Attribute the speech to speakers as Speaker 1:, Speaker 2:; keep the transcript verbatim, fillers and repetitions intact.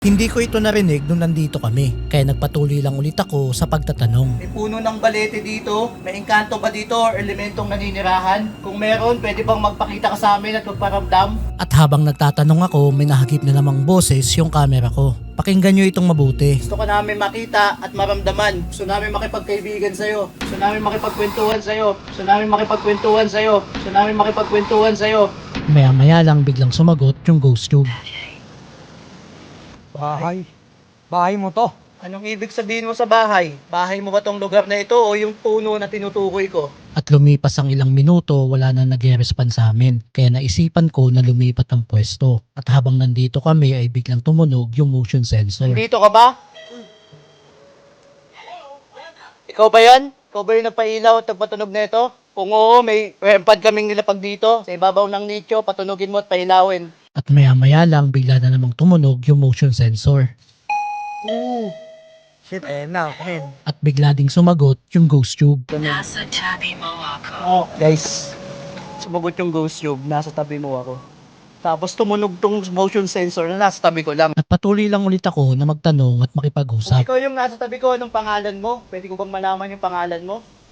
Speaker 1: Hindi ko ito narinig nung nandito kami, kaya nagpatuloy lang ulit ako sa pagtatanong.
Speaker 2: May puno ng balete dito? May engkanto ba dito or elementong naninirahan? Kung meron, pwede bang magpakita ka sa amin at magparamdam?
Speaker 1: At habang nagtatanong ako, may nahagip na namang boses yung camera ko. Pakinggan nyo itong mabuti.
Speaker 2: Gusto ka namin makita at maramdaman. Gusto namin makipagkaibigan sa'yo. Gusto namin makipagkwentuhan sa'yo. Gusto namin makipagkwentuhan sa'yo. Gusto namin makipagkwentuhan sa'yo.
Speaker 1: Maya maya lang biglang sumagot yung ghost tube.
Speaker 3: Bahay. Bahay mo to.
Speaker 2: Anong ibig sabihin mo sa bahay? Bahay mo ba tong lugar na ito o yung puno na tinutukoy ko?
Speaker 1: At lumipas ang ilang minuto, wala na nag-respond sa amin. Kaya naisipan ko na lumipat ang pwesto. At habang nandito kami ay biglang tumunog yung motion sensor.
Speaker 2: Dito ka ba? Ikaw ba yan? Ikaw ba yung nagpailaw at nagpatunog na ito? Kung oo, may rempad kaming nilapag dito. Sa ibabaw ng nicho, patunugin mo at pailawin.
Speaker 1: At maya maya lang bigla na namang tumunog yung motion sensor.
Speaker 2: Ooh.
Speaker 3: Shit, eh na, men.
Speaker 1: At bigla ding sumagot yung ghost tube.
Speaker 4: Nasa tabi mo ako.
Speaker 2: Oh, guys. Sumagot yung ghost tube. Nasa tabi mo ako. Tapos tumunog tong motion sensor na nasa tabi ko lang.
Speaker 1: At patuloy lang ulit ako na magtanong at
Speaker 2: Kung
Speaker 1: makipag-usap.
Speaker 2: ikaw yung nasa tabi ko, anong pangalan mo? Pwede ko bang malaman yung pangalan mo?